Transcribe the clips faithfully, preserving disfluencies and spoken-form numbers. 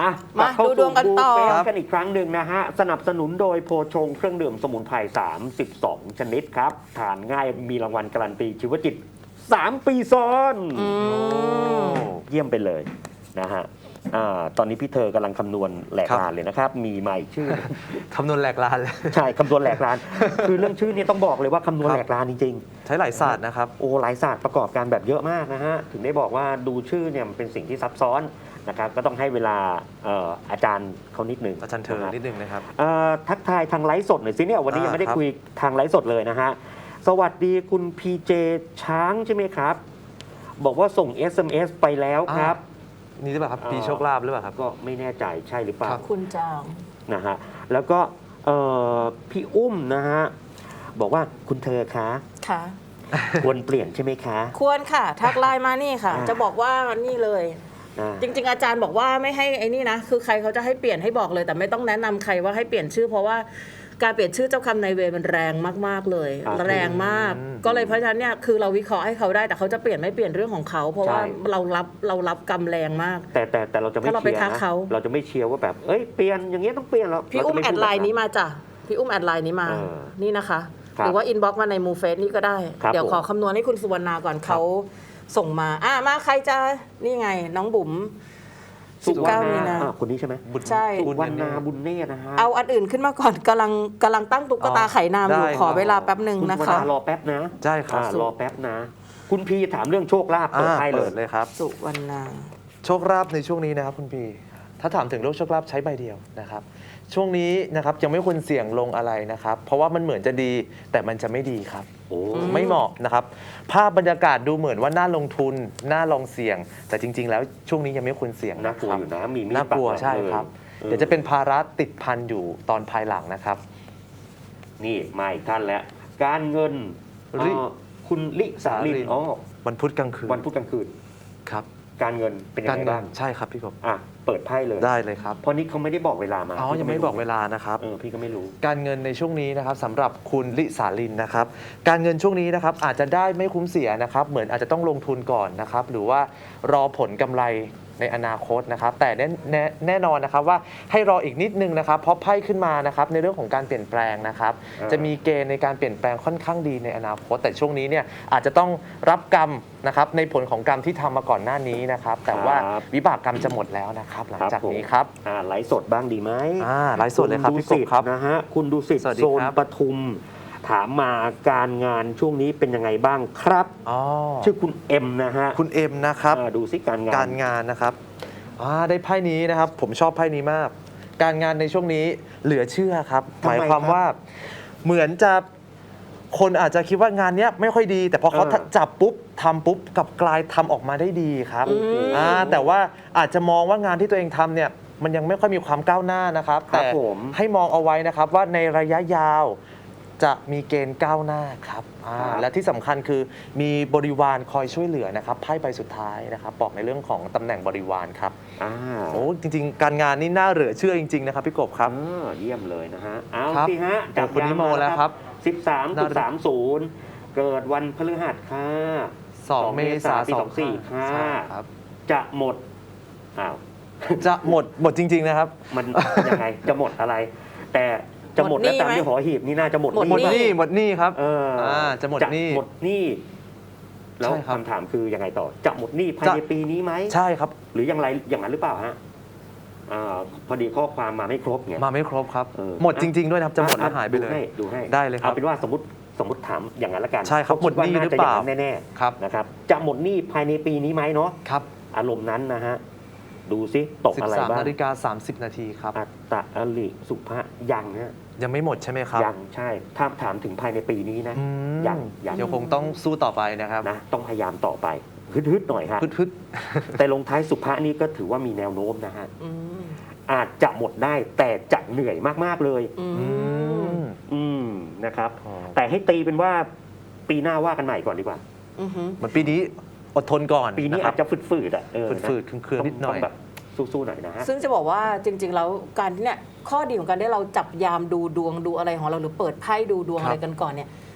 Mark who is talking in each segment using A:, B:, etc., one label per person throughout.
A: อ่ะ
B: มาดูดวงกันต่อ
A: บูเฟ่กันอีกครั้งหนึ่งนะฮะสนับสนุนโดยโพชงเครื่องดื่มสมุนไพรสามสิบสองชนิดครับทานง่ายมีรางวัลการันตีชีวจิตสามปีซ้อนเยี่ยมไปเลยนะฮะอาตอนนี้พี่เธอกำลังคำนวณแหลกลานเลยนะครับมีมาอีกชื่อ
C: คำนวณแหลกลานเลย
A: ใช่คำนวณแหลกลาน คือเรื่องชื่อนี้ต้องบอกเลยว่าคำนวณแหลกลานจริงๆ
C: ใช้หลายศาสตร์นะครับ
A: โอ้หลายศาสตร์ประกอบการแบบเยอะมากนะฮะถึงได้บอกว่าดูชื่อเนี่ยมันเป็นสิ่งที่ซับซ้อนนะครับก็ต้องให้เวลาเอ่ออาจารย์เขานิดหนึ่ง
C: อาจารย์เธอนิดนึงนะครับ
A: เอ่อทักทายทางไลฟ์สดหน่อยสิเนี่ยวันนี้ยังไม่ได้
C: อ่าครับ
A: คุยทางไลฟ์สดเลยนะฮะสวัสดีคุณพีเจช้างใช่ไหมครับ บอกว่าส่ง เอส เอ็ม เอส ไปแล้วครับ
C: นี่หรือเปล่าครับ
A: เอ่อ
C: ปีโชคลาภหรือเปล่าครับ
A: ก็ไม่แน่ใจใช่หรือเปล่า
C: ครับ
B: คุณจาง
A: นะฮะแล้วก็เอ่อพี่อุ้มนะฮะบอกว่าคุณเธอคะ
B: ค่ะ
A: ควรเปลี่ยนใช่ไหมคะ
B: ควรค่ะ ทักไลน์มานี่ค่ะ
A: อ่า
B: จะบอกว่านี่เลย
A: อ่า
B: จริง ๆ อาจารย์บอกว่าไม่ให้ไอ้นี่นะ คือใครเขาจะให้เปลี่ยนให้บอกเลย แต่ไม่ต้องแนะนำใครว่าให้เปลี่ยนชื่อ เพราะว่าการเปลี่ยนชื่อเจ้าคำนายเวรมันแรงมากๆเลย
A: อ่า
B: แรงมาก
C: อืม
B: ก็เลยเพราะฉะนั้นเนี่ยคือเราวิเคราะห์ให้เขาได้แต่เขาจะเปลี่ยนไม่เปลี่ยนเรื่องของเขา เพราะว่า
A: ใช่
B: เรารับเรารับกรรมแรงมาก
A: แต่แต่แต่เราจะไม่
B: ถ้าเราไป
A: เชียร์
B: ทัก
A: นะ
B: เขา
A: เราจะไม่เชียร์ว่าแบบเอ้ยเปลี่ยนอย่างเงี้ยต้องเปลี่ยนแล้ว
B: พี่อุ้มแอดไลน์นี้มาจ้ะพี่อุ้มแอดไลน์นี้มา
A: เออ
B: นี่นะคะ
A: ครับ
B: หรือว่าอินบ็อกซ์มาในมูเฟสนี่ก็ได้
A: ครับ
B: เดี๋ยว
A: ผม
B: ขอคำนวณให้คุณสุวรรณาก่อนเขาส่งมาอ่ะมาใครจะนี่ไงน้องบุ๋ม
A: สุวรร
B: สิบเก้า
A: ณ
B: มีนา
A: อ่ะคนนี้ใช่ไหม
C: บุญ
B: ใช่
A: สุวรรณาบุญเนตรนะฮะ
B: เอาอันอื่นขึ้นมาก่อนกำลังกำลังตั้งตุ๊กตาไข่นามอยู่
C: ได้
B: ขอเวลาแป๊บหนึ่ง
A: คุณ
B: นะ
A: วรร
B: คะ
A: ณารอแป๊บนะ
C: ใช่ครับ
A: อ่ารอแป๊บนะ คุณพีถามเรื่องโชคลาภเปิด
C: อ่า
A: ให้เล
C: เปิ
A: ย
C: ดเลยครับ
B: สุวรรณา
C: โชคลาภในช่วงนี้นะครับคุณพีถ้าถามถึงโรคโชคลาภใช้ใบเดียวนะครับ ช่วงนี้นะครับยังไม่ควรเสี่ยงลงอะไรนะครับ เพราะว่ามันเหมือนจะดีแต่มันจะไม่ดีครับ
A: โอ้
C: ไม่เหมาะนะครับ ภาพบรรยากาศดูเหมือนว่าน่าลงทุนน่าลองเสี่ยง แต่จริง ๆ แล้วช่วงนี้ยังไม่ควรเสี่ยง
A: น่า
C: นะ
A: กลัว
C: ครับ
A: อยู่นะมีมีด
C: น่ากลัว
A: ปักหลัง
C: ใช่ครับ
A: เลย
C: เดี๋ยวจะเป็นภาระติดพันอยู่ตอนภายหลังนะครับ
A: นี่มาอีกท่านแล้ว การเงิน
C: ลิ
A: เอ่อคุณลิสาลินอ๋อ
C: วันพุธกลางคืน
A: วันพุธกลางคืน
C: ครับ
A: การเงินเป็นยัง
C: การ
A: ไง
C: เงิ
A: บ้าน ง
C: ใช่ครับพี่กบ
A: อ่ะเปิดไพ่เลย
C: ได้เลยครับ
A: เพราะนี่เขาไม่ได้บอกเวลามา
C: อ๋อยังไม่บอกเวลานะครับ
A: เออพี่ก็ไม่รู้
C: การเงินในช่วงนี้นะครับสำหรับคุณลิสาลินนะครับ การเงินช่วงนี้นะครับอาจจะได้ไม่คุ้มเสียนะครับ เหมือนอาจจะต้องลงทุนก่อนนะครับ หรือว่ารอผลกำไรในอนาคตนะครับ แต่แน่แน่แน่นอนนะครับว่าให้รออีกนิดนึงนะครับ เพราะไพ่ขึ้นมานะครับในเรื่องของการเปลี่ยนแปลงนะครับ
A: อ่า
C: จะมีเกณฑ์ในการเปลี่ยนแปลงค่อนข้างดีในอนาคต แต่ช่วงนี้เนี่ยอาจจะต้องรับกรรมนะครับในผลของกรรมที่ทำมาก่อนหน้านี้นะครับ แต่ว่าวิบากกรรมจะหมดแล้วนะครับ หลังจากนี้ครับ
A: อ่าไลฟ์สดบ้างดีไหม
C: อ่าไลฟ์สดเลยครับ
A: ณ
C: พี่กบครับ
A: นะฮะคุณดูสิทธิ์
C: สวัสดี
A: โซน
C: ครับ
A: ปทุม ถามมาการงานช่วงนี้เป็นยังไงบ้างครับ
C: อ๋อ
A: ชื่อคุณเอ็มนะฮะ
C: คุณเอ็มนะครับ
A: อ่าดูสิการงาน
C: การงานนะครับอ่าได้ไพ่นี้นะครับ ผมชอบไพ่นี้มาก การงานในช่วงนี้เหลือเชื่อครับ หมายความว่าเหมือนจะคนอาจจะคิดว่างานเนี้ยไม่ค่อยดี แต่พอเขาจับปุ๊บทำปุ๊บกลับกลายทำออกมาได้ดีครับ
B: อืม
C: อ่าแต่ว่าอาจจะมองว่างานที่ตัวเองทำเนี่ยมันยังไม่ค่อยมีความก้าวหน้านะครับ
A: ครับ
C: แต่
A: ผม
C: ให้มองเอาไว้นะครับว่าในระยะยาวจะมีเกณฑ์ก้าวหน้าครับอ่า
A: ครับ
C: และที่สำคัญคือมีบริวารคอยช่วยเหลือนะครับไพ่ใบสุดท้ายนะครับบอกในเรื่องของตำแหน่งบริวารครับ
A: อ่า
C: โอ้จริงๆ การงานนี่น่าเหลือเชื่อจริง ๆ นะครับพี่กบครับ
A: อ่าเยี่ยมเลยนะฮะ เอา
C: ครับ
A: สิฮะ
C: โอ้คุณนิโมแล้วครับ
A: สิบสามจุดสามศูนย์เกิดวันพฤหัสค่ะ
C: สองเมษายน
A: ปีสองสี่ค่ะ
C: ใช่ครับ
A: จะหมด อ้าว
C: จะหมดหมดจริง ๆ นะครับ
A: มันยังไง จะหมดอะไร แต่จะหมด
B: หมดหนี้
A: แล้วตาม
B: ไหม
A: ที่หอหีบนี่น่าจะหมด
B: หมด
C: หมด
A: ไห
C: หนี้หมดหนี้ครับ
A: เออ
C: อ่าจะหมดหนี้
A: หมดหนี้แล้ว
C: ใช่ครับ
A: คำถามคือยังไงต่อ จะหมดหนี้ภายใน
C: จะ
A: ปีนี้ไหม
C: ใช่ครับ
A: หรืออย่างไรอย่างนั้นหรือเปล่าฮะอ่าพอดีข้อความมาไม่ครบไง
C: มาไม่ครบครับ
A: เออ
C: หมดจริง ๆ ด้วยนะครับ จะหมด
A: อ่
C: แล้วหายไปเลย
A: ดูให้ดูให้
C: ได้เลยครับ
A: เอาเป็นว่าสมมติสมมติถามอย่างนั้นละกัน
C: ใช่ครับ
A: เพาะดว่า
C: หมดหนี้
A: า
C: หรือ
A: จะ
C: เปล่า
A: ย่งนั้นแน่
C: ครับ
A: ๆนะครับ จะหมดหนี้ภายในปีนี้ไหมเนาะ
C: ครับ
A: อารมณ์นั้นนะฮะดูซิตกอะไร
C: สิบสาม
A: บ้าง
C: นาฬิกาสามสิบนาทีครับ
A: อัตตะอลิสุภะยังฮะ
C: ยังไม่หมดใช่ไหมครับ
A: ยังใช่ถ้าถามถึงภายในปีนี้นะ
C: อืม
A: ยังยัง
C: เดี๋ยวคงต้องสู้ต่อไปนะครับ
A: นะต้องพยายามต่อไปฮึดๆหน่อยฮะ
C: พึด
A: แต่ลงท้ายสุภะนี่ก็ถือว่ามีแนวโน้มนะฮะ
B: อืม
A: อาจจะหมดได้แต่จะเหนื่อยมากๆเลย
B: อื
C: ๆอื
B: ม
C: ม
A: อืมนะครับ
C: อ๋อ
A: แต่ให้ตีเป็นว่าปีหน้าว่ากันใหม่ก่อนดีกว่า
B: อือหือ
C: เหมือนปีนี้อดทนก่อน
A: ปีนี้
C: นะค
A: อา
C: รับ
A: จจะฝืดๆอ่ะเออนะ
C: ฝืดๆเครื่องๆนิดหน่อย
A: ต้งแบบสู้ๆหน่อยนะฮะ
B: ซึ่งจะบอกว่าจริง ๆ แล้วการที่เนี่ยข้อดีของการที่เราจับยามดูดวงดูอะไรของเราหรือเปิดไพ่ดูดวง
C: ครับ
B: อะไรกันก่อนเนี่ย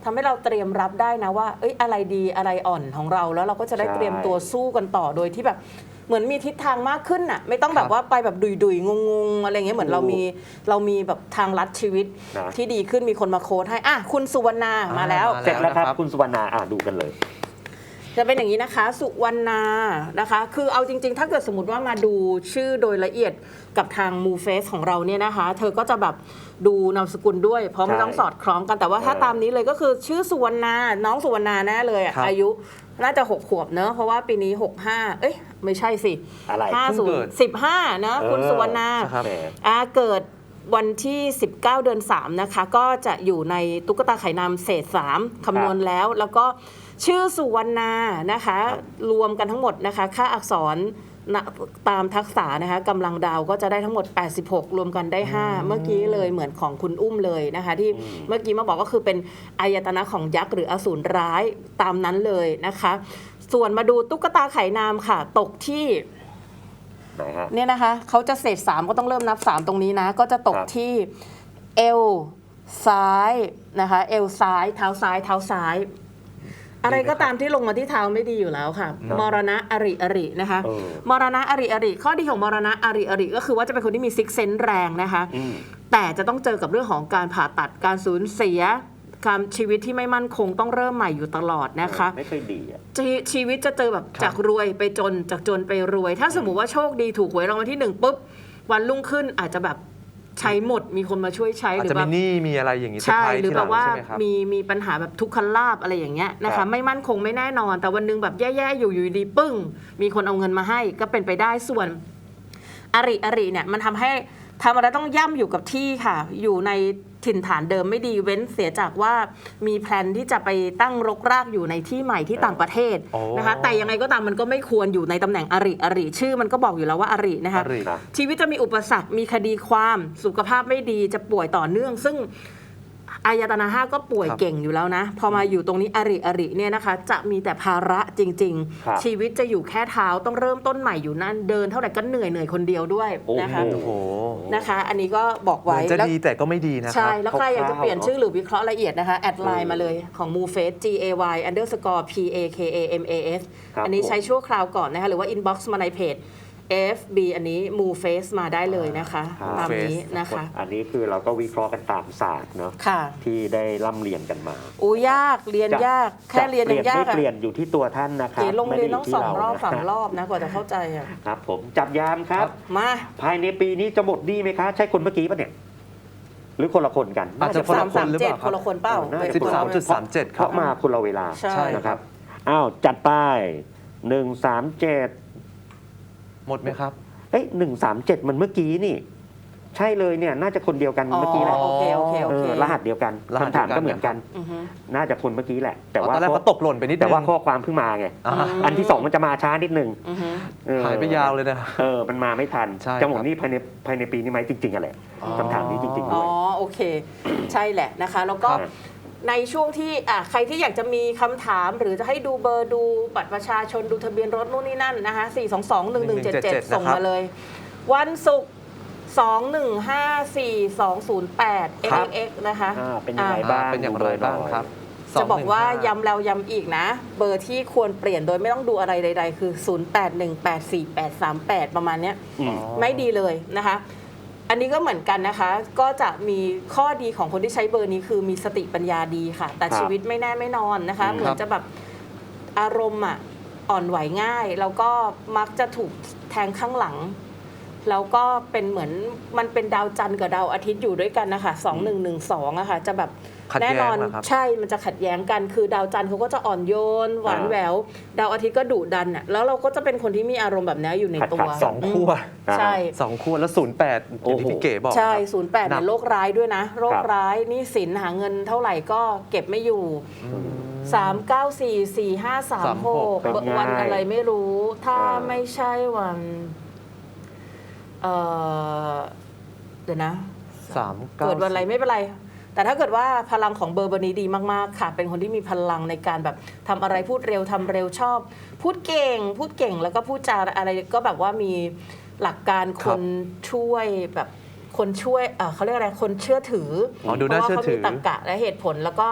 B: ทำให้เราเตรียมรับได้นะว่าเอ้ยอะไรดีอะไรอ่อนของเราแล้วเราก็จะได้
A: ใช่
B: เตรียมตัวสู้กันต่อโดยที่แบบเหมือนมีทิศทางมากขึ้นน่ะไม่ต้องแบบว่าไปแบบดุยๆงงๆอะไรเงี้ยเหมือนเรามีเรามีแบบทางลัดชีวิต
A: นะ
B: ที่ดีขึ้นมีคนมาโค้ดให้อ่ะคุณสุวรรณามาแล้ว
C: มา
A: เสร็จแล้วครับ
C: นะครับ
A: คุณสุวรรณาอ่าดูกันเลย
B: จะเป็นอย่างนี้นะคะสุวรรณานะคะคือเอาจริงๆ ถ้าเกิดสมมติว่ามาดูชื่อโดยละเอียดกับทางมูเฟสของเราเนี่ยนะคะเธอก็จะแบบดูนามสกุลด้วย เพราะมัน
A: ใช่
B: ต้องสอดคล้องกันแต่ว่าถ้า
A: เออ
B: ตามนี้เลยก็คือชื่อสุวรรณาน้องสุวรรณาแน่เลยอะ
C: ครับ
B: อายุน่าจะหกขวบเนอะเพราะว่าปีนี้หกห้าเอ้ยไม่ใช่สิ
A: อะไร
B: ห้า
C: เพิ่
B: ศู
C: ง
B: น
C: เกิ
B: ย์
C: ด
B: สิบห้านะคุณ
A: เออ
B: สุวรรณา
C: ครับ
A: แหม
B: อาเกิดวันที่ สิบเก้า เดือนสามนะคะก็จะอยู่ในตุ๊กตาไข่นำเศษสามคำนวณแล้ว แล้วก็ชื่อสุวรรณานะคะ รวมกันทั้งหมดนะคะค่าอักษรณตามทักษะนะคะกำลังดาวก็จะได้ทั้งหมด แปดสิบหก รวมกันได้ ห้า เมื่อกี้เลยเหมือนของคุณอุ้มเลยนะคะที่
A: อืม
B: เมื่อกี้มาบอกก็คือเป็นอายตนะของยักษ์หรืออสูรร้ายตามนั้นเลยนะคะ ส่วนมาดูตุ๊กตาไข่นามค่ะ ตกที่
A: ไหนฮะ
B: เนี่ยนะคะเขาจะเศษสามก็ต้องเริ่มนับสามตรงนี้นะ ก็จะตก
A: ครับ
B: ที่เอวซ้ายนะคะ เอวซ้าย เท้าซ้าย เท้าซ้าย อะไรก็ตามที่ลงมาที่เท้าไม่ดีอยู่แล้วค่ะ
A: ครับ
B: มรณะอริอรินะคะ
A: เออ
B: มรณะอริอริข้อดีของมรณะอริอริก็คือว่าจะเป็นคนที่มีซิกเซนแรงนะคะ
A: อืม
B: แต่จะต้องเจอกับเรื่องของการผ่าตัดการสูญเสียการชีวิตที่ไม่มั่นคงต้องเริ่มใหม่อยู่ตลอดนะคะ
A: ไม่ค่อยดีอ่ะ
B: ชีชีวิตจะเจอแบบ
C: ครับ
B: จากรวยไปจนจากจนไปรวย ถ้าสมมติว่าโชคดีถูกหวยรางวัลที่หนึ่งปุ๊บวันรุ่งขึ้นอาจจะแบบใช้หมดมีคนมาช่วยใช้
C: อาจ
B: หรือ
C: จะ
B: แบ
C: มี
B: บ
C: หนี้มีอะไรอย่างนี้เซอร์
B: ใช่
C: ไพรส์
B: หรือ
C: ที่ห
B: แบ
C: ลัง
B: บว่า
C: ใช่ไหมครับ
B: มีมีปัญหาแบบทุกขลาบอะไรอย่างเงี้ยนะ
A: ครั
B: คะ
A: บ
B: ไม่มั่นคงไม่แน่นอน แต่วันหนึงแบบแย่ๆอยู่อยู่ดีปึ้ง มีคนเอาเงินมาให้ก็เป็นไปได้ส่วนอริอริเนี่ยมันทำให้ทำอะไรต้องย่ำอยู่กับที่ค่ะ อยู่ในถิ่นฐานเดิมไม่ดีเว้นเสียจากว่ามีแพลนที่จะไปตั้งรกรากอยู่ในที่ใหม่ที่ต่างประเทศ
C: โอ้
B: นะคะแต่ยังไงก็ตามมันก็ไม่ควรอยู่ในตำแหน่งอริอริชื่อมันก็บอกอยู่แล้วว่าอรินะคะ
C: อริ
A: ครับ
B: ชีวิตจะมีอุปสรรค มีคดีความสุขภาพไม่ดีจะป่วยต่อเนื่อง ซึ่งอายตนะห้าก็ป่วย
C: ครับ
B: เก่งอยู่แล้วนะ พอมาอยู่ตรงนี้อริอริเนี่ยนะคะ จะมีแต่ภาระจริง
A: ครับ
B: ๆ ชีวิตจะอยู่แค่เท้าต้องเริ่มต้นใหม่อยู่นั่นเดินเท่าไหร่ก็เหนื่อยเหนื่อยคนเดียวด้วยนะคะ
A: โอ้
C: โอ้โห
B: นะคะ อันนี้ก็บอก
C: เหมื
B: ไว้
C: อนจะ
B: แล้ว
C: ดีแต่ก็ไม่ดีนะค
B: ใช่
C: รับ
B: แล้วใครอยากจะเปลี่ยนชื่อหรือวิเคราะห์ละเอียดนะคะ แอดไลน์มาเลยของ m o f a c e G A Y underscore P A K A M A S
A: ครับ
B: อันนี้
A: ผม
B: ใช้ชั่วคราวก่อนนะคะ หรือว่า inbox มาในเพจ F B อันนี้ m o f a c e มาได้เลยนะคะ
A: ครับ
B: ตามนี้นะคะ
A: อันนี้คือเราก็วิเคราะห์กันตามศาสตร์เนาะ
B: ค่ะ
A: ที่ได้ร่ำเรียนกันมา
B: อู้ยากเรียน
A: จะ
B: ยาก แค่เรียน
A: จะ
B: ยังยาก
A: ไม่
B: อะ
A: เปลี่ยนอยู่ที่ตัวท่านนะครั
B: เก๋
A: บ
B: ลงเรียน
A: ไม่ได้
B: ต้องสองรอบ
A: ที่
B: สาม
A: นะ
B: รอบนะกว่าจะเข้าใจอะ
A: ครับผมจับยามครับ
B: มา
A: ภายในปีนี้จะหมดหนี้ไหมคะ ใช่คนเมื่อกี้ปะเนี่ย หรือคนละคนกัน
C: อาจจะ คนละ
B: สาม
C: หรือ
B: เจ็
C: เป
B: ด
C: ล่าครับ
B: คนละคนเปล่า
A: น่าจะ
C: สิบสามจุดสามเจ็ด
A: เพ
C: ครับ
A: ราะมาคนละเวลา
B: ใช่
A: นะครับอ้าวจัดไปหนึ่งสามเจ็ด
C: หมดไหมครับ
A: เอ้ยหนึ่งสามเจ็ดมันเมื่อกี้นี่ ใช่เลยเนี่ย น่าจะคนเดียวกัน
B: อ๋อ
A: เมื่อกี้แหละ
B: โอเคโอเคโอ
A: เอ
B: เค
A: อรหัสเดียวกัน
C: รหัส
A: คำถาม
C: เดียวกัน
A: ก็เหมือนกัน
B: อือฮึ
A: น่าจะคนเมื่อกี้แหละ แต่
C: ต
A: ว่า
C: อนแรก
A: ข้อ
C: เขาตกหล่นไปนิดนึง
A: แต่ว่าข้อความเพิ่งมาไง
C: อ่า
B: อืม
A: อันที่สองมันจะมาช้านิดนึง
B: อือฮึ
A: เออ
C: หายไปยาวเลยนะ
A: เออ มันมาไม่ทัน
C: ใช่
A: จะหมด
C: ครับ
A: หนี่ภายในภายในปีนี้ไหมจริงๆอะแหละ
C: อ๋อ
A: คำถามนี้จริงๆ
B: อ๋
A: ด้
B: อ
A: วย
B: โอเค ใช่แหละนะคะ แล้วก็
A: ครับ
B: ในช่วงที่อ่ะใครที่อยากจะมีคำถามหรือจะให้ดูเบอร์ดูบัตรประชาชนดูทะเบียนรถนู่นนี่นั่นนะคะสี่ สอง สอง หนึ่ง หนึ่ง เจ็ด เจ็ด ส่งมาเลย วันศุกร์สอง หนึ่ง ห้า สี่ สอง ศูนย์ แปด
A: ครั
B: เอ็ก
A: บ
B: เอ็กซ์นะคะ
A: อ่าเป็นยังไง
B: อ่ะ
A: บ้าง
C: เป็นอย่างไรบ้างครับ
B: จะบอกว่า
C: สองหนึ่งห้
B: ย้ำแล้วย้ำอีกนะ เบอร์ที่ควรเปลี่ยนโดยไม่ต้องดูอะไรใดๆ คือ ศูนย์ แปด หนึ่ง แปด สี่ แปด สาม แปด ประมาณเนี้ย
A: อืม
B: ไม่ดีเลยนะคะ อันนี้ก็เหมือนกันนะคะ ก็จะมีข้อดีของคนที่ใช้เบอร์นี้คือมีสติปัญญาดีค่ะ แต่
A: ครับ
B: ชีวิตไม่แน่ไม่นอนนะคะ
A: อืม
B: เหมือนจะแบบอารมณ์อ่ะอ่อนไหวง่าย แล้วก็มักจะถูกแทงข้างหลัง แล้วก็เป็นเหมือนมันเป็นดาวจันทร์กับดาวอาทิตย์อยู่ด้วยกันนะคะสองหนึ่งหนึ่งสองอะค่ะจะแบบ
C: ขัดแย้
B: แน่
C: ง
B: นอน
C: เหรอครับ
B: ใช่มันจะขัดแย้งกัน คือดาวจันทร์เขาก็จะอ่อนโยนหวาน
A: อ่า
B: แหวว ดาวอาทิตย์ก็ดุดันอ่ะแล้วเราก็จะเป็นคนที่มีอารมณ์แบบนี้อยู่ในตัว
A: ขัดๆ
C: สองขั้ว
B: ใช่
C: สองขั้วแล้วศูนย์แปดอย่างที่พี่เก๋บอก
B: ใช่
C: ครับ
B: ศูนย์แปด
C: หนั
B: เนี่ย
C: ก
B: โรคร้ายด้วยนะ โร
A: ค
B: ครับ ร้ายหนี่สินหาเงินเท่าไหร่ก็เก็บไม่อยู่ สาม เก้า สี่ สี่ ห้า สาม หก
A: เป็นไง
B: วันอะไรไม่รู้ ถ้า
A: อ่า
B: ไม่ใช่วันเอ่อเดี๋ยวนะ
C: สามเก้า
B: เกิดวันอะไรไม่เป็นไร แต่ถ้าเกิดว่าพลังของเบอร์เบอร์นี้ดีมากๆค่ะ เป็นคนที่มีพลังในการแบบทำอะไรพูดเร็วทำเร็วชอบ พูดเก่ง พูดเก่งแล้วก็พูดจาอะไรก็แบบว่ามีหลักการคนช่วยแบบคนช่วยเอ่อเขาเรียกอะไรคนเชื่อถือ
C: อ๋อดูน่าเชื่อถือ
B: พราะว่าเขามีตรรกะและเหตุผลแล้วก็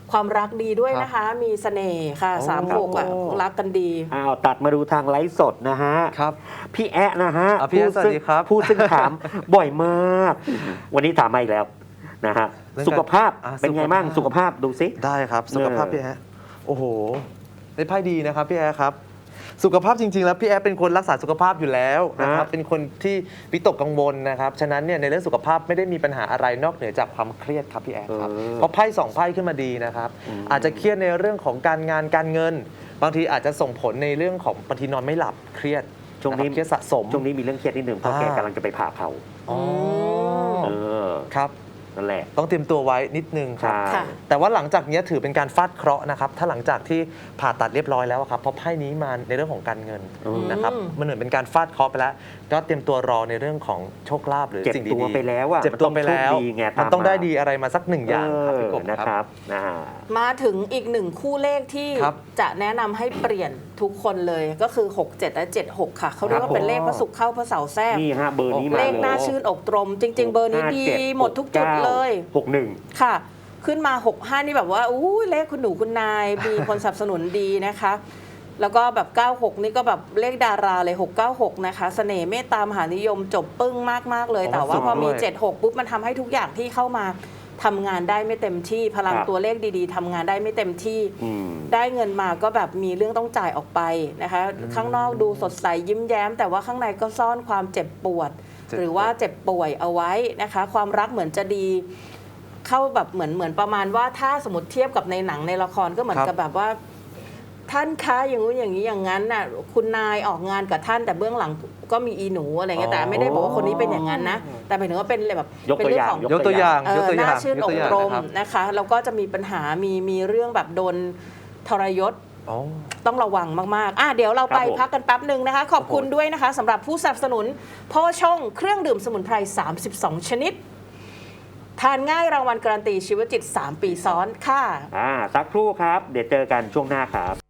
B: ความรักดีด้วยนะคะ มีเสน่ห์ค่ะ
C: โอ้
B: สามหกอ่ะรักกันดี
A: อ้าวตัดมาดูทางไลฟ์สดนะฮะ
C: ครับ
A: พี่แอะนะฮะ
C: อ่ะพี่แอะ
A: ผู้ซึ่ง
C: สวัสดีครับ
A: ผู้ซึ่งถาม บ่อยมาก วันนี้ถามมาอีกแล้วนะฮะ
C: เรื่องการ
A: สุขภาพ
C: อ่ะ
A: เป็นไง
C: สุขภาพ
A: บ้างสุขภาพดูซิ
C: ได้ครับ สุขภาพ
A: เออ
C: พี่แอ๊ะโอ้โหได้ไพ่ดีนะครับพี่แอ๊ะครับ สุขภาพจริง ๆ แล้วพี่แอ๊ะเป็นคนรักษาสุขภาพอยู่แล้วนะครับ เป็นคนที่วิตกกังวลนะครับ ฉะนั้นเนี่ยในเรื่องสุขภาพไม่ได้มีปัญหาอะไรนอกเหนือจากความเครียดครับพี่แอ๊ะครับ
A: เออ
C: เพราะไพ่สองไพ่ขึ้นมาดีนะครับ
A: อืม
C: อาจจะเครียดในเรื่องของการงานการเงิน บางทีอาจจะส่งผลในเรื่องของบางทีนอนไม่หลับเครียด
A: ช่วงนี้
C: ะครับเครียดสะสม
A: ช่วงนี้มีเรื่องเครียดนิดหนึ่งเพราะ
C: อ่า
A: แกกำลังจะไปผ่าเผา
C: อ๋อ
A: เออ
C: ครับ
A: นั่นแหละ
C: ต้องเตรียมตัวไว้นิดนึงครับ
A: ใช่
B: ค่ะ
C: แต่ว่าหลังจากนี้ถือเป็นการฟาดเคราะห์นะครับ ถ้าหลังจากที่ผ่าตัดเรียบร้อยแล้วอะครับ เพราะไพ่นี้มาในเรื่องของการเงิน
A: อืม
C: นะครับ มันเหมือนเป็นการฟาดเคราะห์ไปแล้ว ก็เตรียมตัวรอในเรื่องของโชคลาภหรือ
A: เจ็บ
C: สิ่งดี
A: ตัว
C: ๆ
A: ไปแล้วอะ
C: เจ็บตัวไปแล้ว
A: มันต้องโชคดีไง
C: มัน
A: ตาม
C: ต้องได้
A: มา
C: ดีอะไรมาสักหนึ่งอย่างครับพี่กบ
A: เออนะ
C: ค
A: ครับ รับอ่า
B: มาถึงอีกหนึ่งคู่เลขที่
C: ครับ
B: จะแนะนำให้เปลี่ยนทุกคนเลยก็คือ หก เจ็ด และ เจ็ด หก ค่ะ เขาเรียกว่าเป็นเลขพระศุกร์เข้าพระเสาร์แทรก
A: นี่ฮะเบอร์นี้มา
B: เล
A: เล
B: ข
A: ย
B: น่าชื่นอกตรม จริง ๆ เบอร์นี้ดีหมดทุกจุดเลย
A: หกหนึ่ง
B: ค่ะ ขึ้นมา หก ห้า นี่แบบว่าอู้ยเลขคุณหนูคุณนาย มีคนสนับสนุนดีนะคะ แล้วก็แบบ เก้า หก นี่ก็แบบเลขดาราเลย หก เก้า หก นะคะ เสน่ห์เมตตามหานิยมจบปึ้งมาก ๆ เลย
C: โอ้
B: แต่ว่า
C: สุด
B: พอมี
C: ด้วย
B: เจ็ด หก ปุ๊บ มันทำให้ทุกอย่างที่เข้ามาทำงานได้ไม่เต็มที่ พลัง
A: ครับ
B: ตัวเลขดีๆทำงานได้ไม่เต็มที่
A: อืม
B: ได้เงินมาก็แบบมีเรื่องต้องจ่ายออกไปนะคะ ข้างนอกดูสดใสยิ้มแย้ม แต่ว่าข้างในก็ซ่อนความเจ็บปวด
C: เจ็บ
B: หรือว่าเจ็บป่วยเอาไว้นะคะ ความรักเหมือนจะดี เข้าแบบเหมือนเหมือนประมาณว่าถ้าสมมติเทียบกับในหนังในละครก็เหมือนกับแบบว่า ท่านคะอย่างนู้นอย่างนี้อย่างนั้นน่ะคุณนายออกงานกับท่านแต่เบื้องหลังก็มีอีหนูอะไรเงี้ยแต่ไม่ได้บอกว่าคนนี้เป็นอย่างนั้นนะ แต่หมายถึงว่าเป็นแบบ
A: ยก
B: เป็น
A: ตัว
B: เรื่
A: อย่าง
B: ของ
C: ยกตัวอย่าง
B: เอย
C: ก
B: อ
C: ตัวอย่า
B: น่าง ชื่น
C: ย
B: อก
C: ตัวอย่าง
B: ตรม
C: นะครับ
B: นะคะแล้วก็จะมีปัญหามีมีเรื่องแบบโดนทรยศ
C: อ๋อ
B: ต้องระวังมากๆอ่ะเดี๋ยวเราไป
A: ครับผม
B: พักกันแป๊บหนึ่งนะคะ ขอบคุณด้วยนะคะสำหรับผู้สนับสนุนโพชงเครื่องดื่มสมุนไพร สามสิบสอง ชนิด ทานง่ายรางวัลการันตีชีวจิต สาม ปีซ้อนค่ะ
A: อ่าสักครู่ครับ เดี๋ยวเจอกันช่วงหน้าครับ